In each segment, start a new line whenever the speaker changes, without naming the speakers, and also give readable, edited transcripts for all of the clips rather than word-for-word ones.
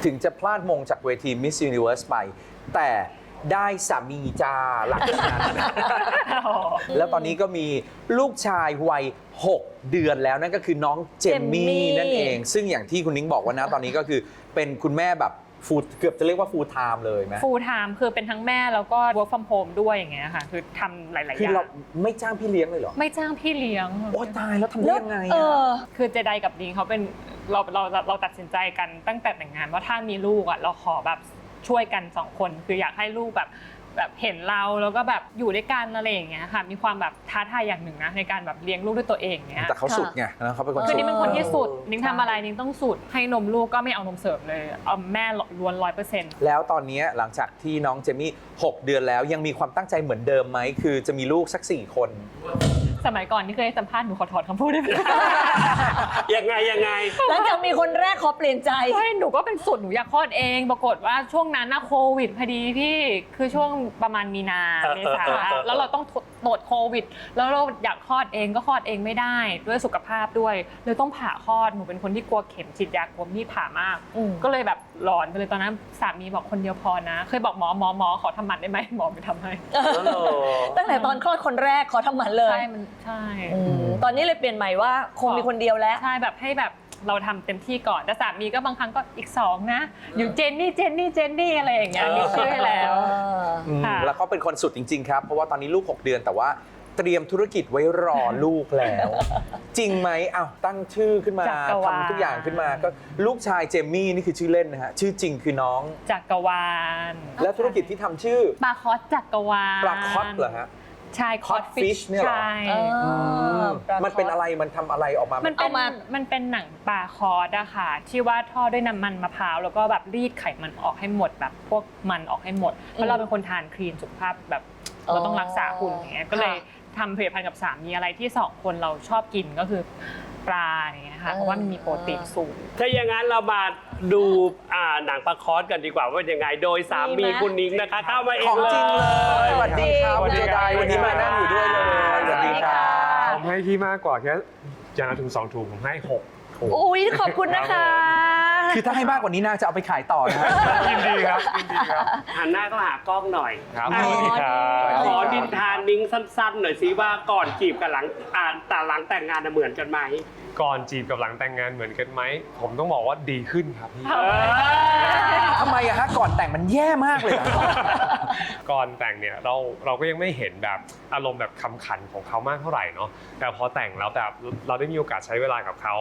ถึงจะพลาดมงจากเวที Miss Universe ไปแต่ได้สามีจ้าหลังจากนั้นแล้วตอนนี้ก็มีลูกชายวัย6 เดือนแล้วนั่นก็คือน้องเจมมี่นั่นเองซึ่งอย่างที่คุณนิ้งบอกว่านะตอนนี้ก็คือเป็นคุณแม่แบบเกือบจะเรียกว่า full time เลยไหม
full time คือเป็นทั้งแม่แล้วก็ work from home ด้วยอย่างเงี้ยค่ะคือทำหลายๆอย่าง
คือเราไม่จ้างพี่เลี้ยงเลยเหรอ
ไม่จ้างพี่เลี้ยง
โอ้ตายแล้วทำได้ยังไง
คือเจไดกับนิ้งเขาเป็นเราตัดสินใจกันตั้งแต่แต่งงานว่าถ้ามีลูกอ่ะเราขอแบบช่วยกัน2 คนคืออยากให้ลูกแบบเห็นเราแล้วก็แบบอยู่ด้วยกันอะไรอย่างเงี้ยค่ะมีความแบบท้าทายอย่างหนึ่งนะในการแบบเลี้ยงลูกด้วยตัวเองเนี้ย
แต่เขาสุดไงนะเขาเป็นคน
คือนิ้งเป็นคนที่สุดนิ้งทำอะไรนิ้งต้องสุดให้นมลูกก็ไม่เอานมเสริมเลยเอาแม่ล้วน 100%
แล้วตอนนี้หลังจากที่น้องเจมี่6 เดือนแล้วยังมีความตั้งใจเหมือนเดิมไหมคือจะมีลูกสัก4 คน
สมัยก่อนที่เคยให้สัมภาษณ์หนูขอถอดคำพูดได้ไหม
ยังไง
หลังจากมีคนแรกขอเปลี่ยนใจ
ใช่หนูก็เป็นสุดหนูอยากคลอดเองปรากฏว่าช่วงนั้นนะโควิดพอดีพี่คือช่วงประมาณมีนาเมษาแล้วเราต้องตรวจโควิดแล้วเราอยากคลอดเองก็คลอดเองไม่ได้ด้วยสุขภาพด้วยเลยต้องผ่าคลอดหนูเป็นคนที่กลัวเข็มฉีดยากลัวมีดผ่ามากก็เลยแบบหลอนไปเลยตอนนั้นสามีบอกคนเดียวพอนะเคยบอกหมอขอทำหมันได้ไหมหมอไม่ทำให้
ตั้งแต่ตอนคลอดคนแรกขอทำหมันเลย
ใช่
ตอนนี้เลยเปลี่ยนใหม่ว่าคงมีคนเดียวแล้ว
ใช่แบบให้แบบเราทำเต็มที่ก่อนแต่สามีก็บางครั้งก็อีก2นะอยู่เจนนี่อะไรอย่างเงี้ยมีชื่อให้แล้ว
แล้วเขาเป็นคนสุดจริงๆครับเพราะว่าตอนนี้ลูก6 เดือนแต่ว่าเตรียมธุรกิจไว้รอลูกแล้วจริงไหมอ้าวตั้งชื่อขึ้นมาทำทุกอย่างขึ้นมาก็ลูกชายเจมมี่นี่คือชื่อเล่นนะฮะชื่อจริงคือน้อง
จักรวาล
แล้วธุรกิจที่ทำชื่อ
ปลาคอสจักรวาล
ปลาคอสเหรอฮะ
ใช่
คอสฟิชเนี่ยหรอมันเป็นอะไรมันทำอะไรออกมา
มันเป็นหนังปลาคอสอะค่ะที่ว่าทอดด้วยน้ำมันมะพร้าวแล้วก็แบบรีดไขมันออกให้หมดแบบพวกมันออกให้หมดเพราะเราเป็นคนทานคลีนสุขภาพแบบเราต้องรักษาหุ่นอย่างเงี้ยก็เลยทำผลิตภัณฑ์กับสามีอะไรที่2 คนเราชอบกินก็คือปลาอย่างเงี้ยค่ะเพราะว่ามันมีโปรตีนสูง
ถ้าอย่างนั้นเรามาดูหนังปลาคอสกันดีกว่าว่ายังไงโดยสามีคุณนิ้งนะคะเข้ามาเองเลย
ของจริงเลยสวัสดีครับคุณเจไดวันนี้มานั่งอยู่ด้วยเลยสวัสดีครับ
ผมให้พี่มากกว่าแค่อย่างละถึง2 ถุงผมให้6 ถุง
อุ้ยขอบคุณนะคะ
คือถ้าให้มากกว่านี้น่าจะเอาไปขายต่อนะ
ยินดีครับ
หันหน้าก็หากล้องหน่อย
ครับ
ขอดินทานนิ้งสั้นๆหน่อยสิว่าก่อนจีบกับหลังแต่งงานเหมือนกันไหม
ก่อนจีบกับหลังแต่งงานเหมือนกันไหมผมต้องบอกว่าดีขึ้นครับพี่
ทำไมอะฮะก่อนแต่งมันแย่มากเลย
ก่อนแต่งเนี่ยเราก็ยังไม่เห็นแบบอารมณ์แบบคำขันของเขามากเท่าไหร่เนาะแต่พอแต่งแล้วแบบเราได้มีโอกาสใช้เวลากับเขา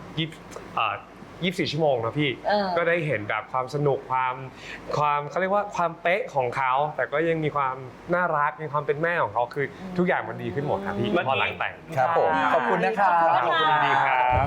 24 ชั่วโมงนะพี่ก็ได้เห็นแบบความสนุกความเขาเรียกว่าความเป๊ะของเขาแต่ก็ยังมีความน่ารักมีความเป็นแม่ของเขาคือทุกอย่างมันดีขึ้นหมดครับพี่พอหลังแต่ง
ครับผมขอบคุณนะครับ
ขอบคุณดีครับ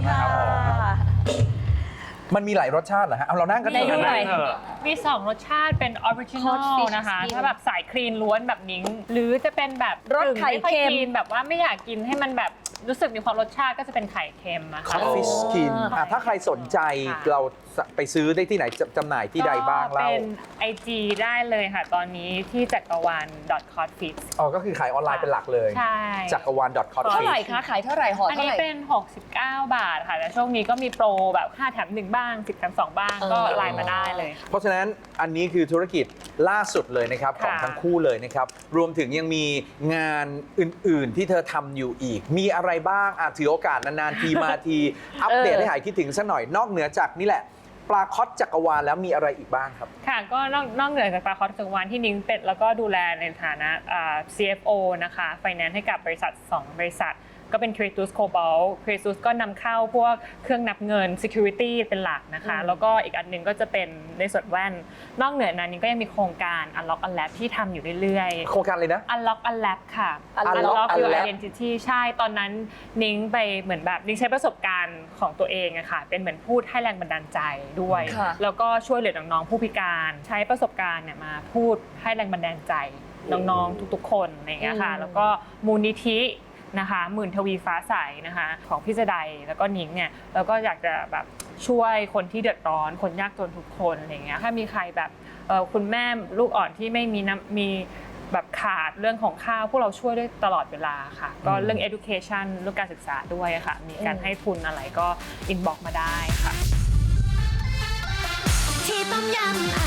มันมีหลายรสชาติเหรอฮะเอาเรานั่งกัน
มี2 รสชาติเป็นออริจินอลนะคะถ้าแบบสายคลีนล้วนแบบนิ้งหรือจะเป็นแบบ
รสไข่เค็ม
แบบว่าไม่อยากกินให้มันแบบรู้สึกมีความรสชาติก็จะเป็นไข่เค็มอะ
ค่ะคอฟฟี่สกินถ้าใครสนใจเราไปซื้อได้ที่ไหนจำหน่ายที่ใดบ้างเล่า
เป็น IG ได้เลยค่ะตอนนี้ที่จักรวาล .codfix
อ๋อก็คือขายออนไลน์เป็นหลักเลย
ใช่
จักรวาล .codfix
เท่าไหร่คะขายเท่าไหร่ห่อเท่าไหร่
อันนี้เป็น69 บาทค่ะแต่ช่วงนี้ก็มีโปรแบบ5 แถม 1บ้าง10 แถม 2บ้างก็ไลน์มาได้เลย
เพราะฉะนั้นอันนี้คือธุรกิจล่าสุดเลยนะครับของทั้งคู่เลยนะครับรวมถึงยังมีงานอื่นๆที่เธอทำอยู่อีกมีอะไรบ้างถือโอกาสนานๆทีมาทีอัปเดตให้หายคิดถึงสักหน่อยนอกเหนือจากนี่แหละปลาคอสจักรวาลแล้วมีอะไรอีกบ้างครับ
ค่ะก็นอกเหนือจากปลาคอสจักรวาลที่นิ้งเป็ดแล้วก็ดูแลในฐานะ CFO นะคะ Finance ให้กับบริษัท2 บริษัทก็เป็น Creatus Cobalt Creatus ก็นำเข้าพวกเครื่องนับเงิน Security เป็นหลักนะคะแล้วก็อีกอันนึงก็จะเป็นในส่วนแว่นนอกเหนือนั้นนิ้งก็ยังมีโครงการ Unlock Unlab ที่ทำอยู่เรื่อย
ๆโครงการอะไรนะ
Unlock Unlab ค่ะ Unlock Your Identity ใช่ตอนนั้นนิ้งไปเหมือนแบบนิ้งใช้ประสบการณ์ของตัวเองอะค่ะเป็นเหมือนพูดให้แรงบันดาลใจด้วยแล้วก็ช่วยเหลือน้องๆผู้พิการใช้ประสบการณ์เนี่ยมาพูดให้แรงบันดาลใจน้องๆทุกๆคนอะไรอย่างเงี้ยค่ะแล้วก็มูลนิธินะคะหมื่นทวีฟ้าใสนะคะของพี่เจไดแล้วก็นิ้งเนี่ยแล้วก็อยากจะแบบช่วยคนที่เดือดร้อนคนยากจนทุกคนอะไรอย่างเงี้ยถ้ามีใครแบบคุณแม่ลูกอ่อนที่ไม่มีแบบขาดเรื่องของข้าวพวกเราช่วยได้ตลอดเวลาค่ะก็เรื่อง education เรื่องการศึกษาด้วยค่ะมีการให้ทุนอะไรก็ inbox มาได้ค่ะ
ยำ